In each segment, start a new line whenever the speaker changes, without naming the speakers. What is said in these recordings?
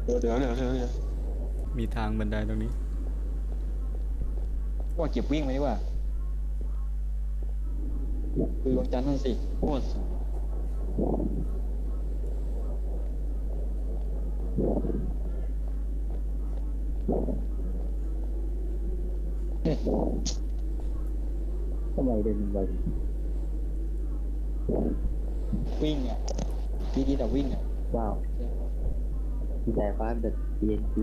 เดี๋ยว
มีทางบันไดตรงนี้
ว่าเก็บวิ่งไหมดีกว่าคือดวงจันทร์นั่นสิโคตรสูงเฮ้ย
ทำไมเดินไป
วิ่งอ่ะดีแต่วิ่งอ่ะ
ว้าวมีแต่ฟ้าแบบเย็นคือ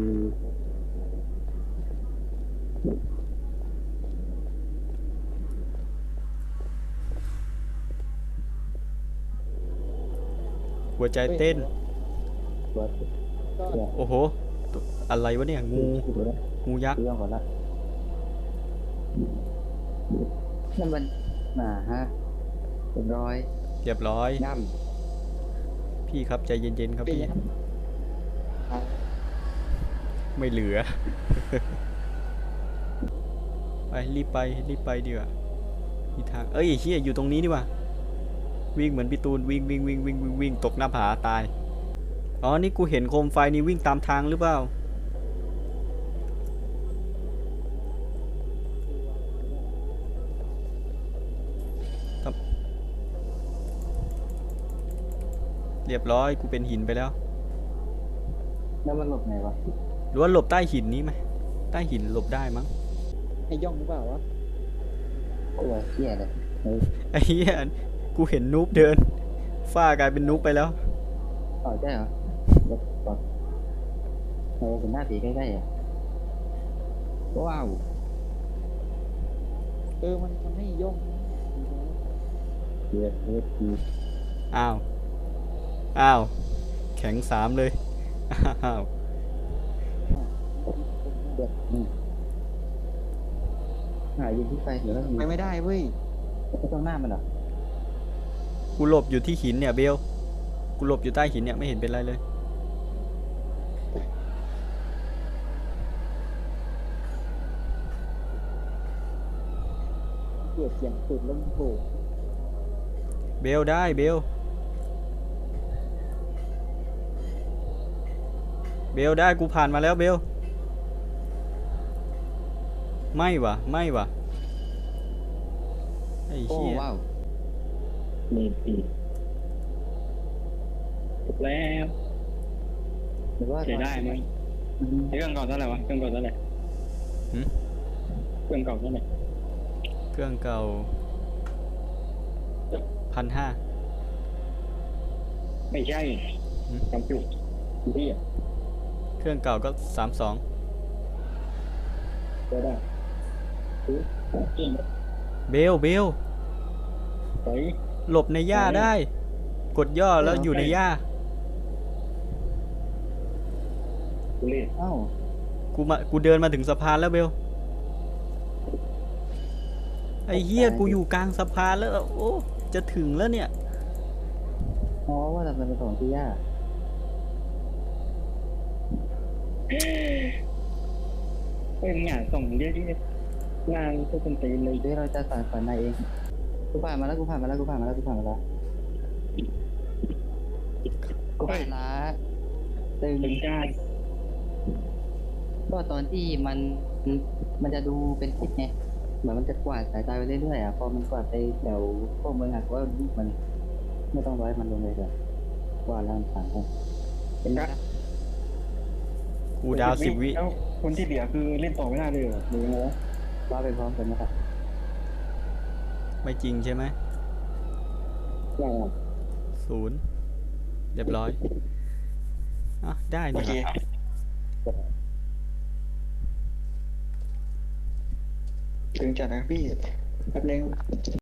หัวใจเต้น
วัดเนี่ย
โอ้โหตัวอะไรวะเนี่ยงู
คิดดูนะ
งูยักษ์
เรื่องก่อนละนั่นมันฮะเป็นรอย
เรียบร้อย
ย่
พี่ครับใจเย็นๆครับ
ปี
พี่
นะอ่ะ
ไม่เหลือ ไปรีบไปดีกว่ามีทางเอ้ยเฮียอยู่ตรงนี้ดีกว่าวิ่งเหมือนพี่ตูนวิ่งตกหน้าผาตายอ๋อนี่กูเห็นโคมไฟนี่วิ่งตามทางหรือเปล่าครับเรียบร้อยกูเป็นหินไปแล้ว
ำแล้วมันหลบไงวะ
หรือว่าหลบใต้หินนี้ไหมใต้หินหลบได้มั้ง
ให้ย่องหรือเปล่าวะ
ตัวเหี้ยเลยเฮ้ย
ไอ้เหี้ยกูเห็นนูบเดินฝ้ากลายเป็นนูบไปแล้ว
ต่อใช่เหรอเดี๋ยวก่อนเราเห็นหน้าผีใกล้ๆอ่ะว้าว
มันให้ย่อง
เดือดที
อ้าวแข็ง3เลยอ้าว
เดือดหายืนที่ไฟเดี๋ยวแล้ว
ไปไม่ได้เว้ย
ไม่ต้องหน้ามันเหรอ
กูหลบอยู่ที่หินเนี่ยเบลกูหลบอยู่ใต้หินเนี่ยไม่เห็นเป็นไรเลย
เกลียดเสียงสุดแล้วมันโผล่
เบลได้เบลได้กูผ่านมาแล้วเบลไม่วะไอ้
โอ้
เหี้ย
ว้าว
มีปีถูกแล้ว
หรือว่า
ใช้ได้ไหมเครื่องเก่าเท่าไหร่วะเครื่องเก่าเท่าไหร่เครื่องเก่าเท่าไหร่
เครื่องเก่า1,500
ไม่ใช่จำจุกที่อ่ะ
เครื่องเก่าก็32
ก็ได้คือจริง
เบล
ไป
หลบในหญ้าได้ กดย่อแล้วอยู่ในหญ้า
กูเล่น
เอ้า
กูเดินมาถึงสะพานแล้วเบลไอ้เหี้ยกูอยู่กลางสะพานแล้วโอ้จะถึงแล้วเนี่ย
อ๋อว่าแต่มันเป็นของที่ยาก
เป็นงานส่งเยอะที่งานก็เป็นตีเลย
เดี๋ยวเราจะสั่งฝันนายเองกูผ่านมาแล้วกูผ่านมาแล้วกูผ่านมาแล้วตึง
ถึงได้
ก็ตอนที่มันจะดูเป็นทิศไงเหมือนมันจะกวาดสายตาไปเรื่อยๆอ่ะพอมันกวาดไปแถวพวกเมืองอ่ะก็มันไม่ต้องร้อยมันลงเลยเลยกวาดแล้วมันผ่านไปเป็นไงนะ
กูดาว10 วิ
แล้วคนที่เหลือคือเล่นต่อไม่ได้เลยเหรอหรือไงวะ
ว่าไปพร้อมกันนะครับ
ไม่จริงใช่ไหม
ว่า
0เรียบร้อยอ่ะได้
โอ
นี่
เค ถึงจัดนะพี่แป๊บนึง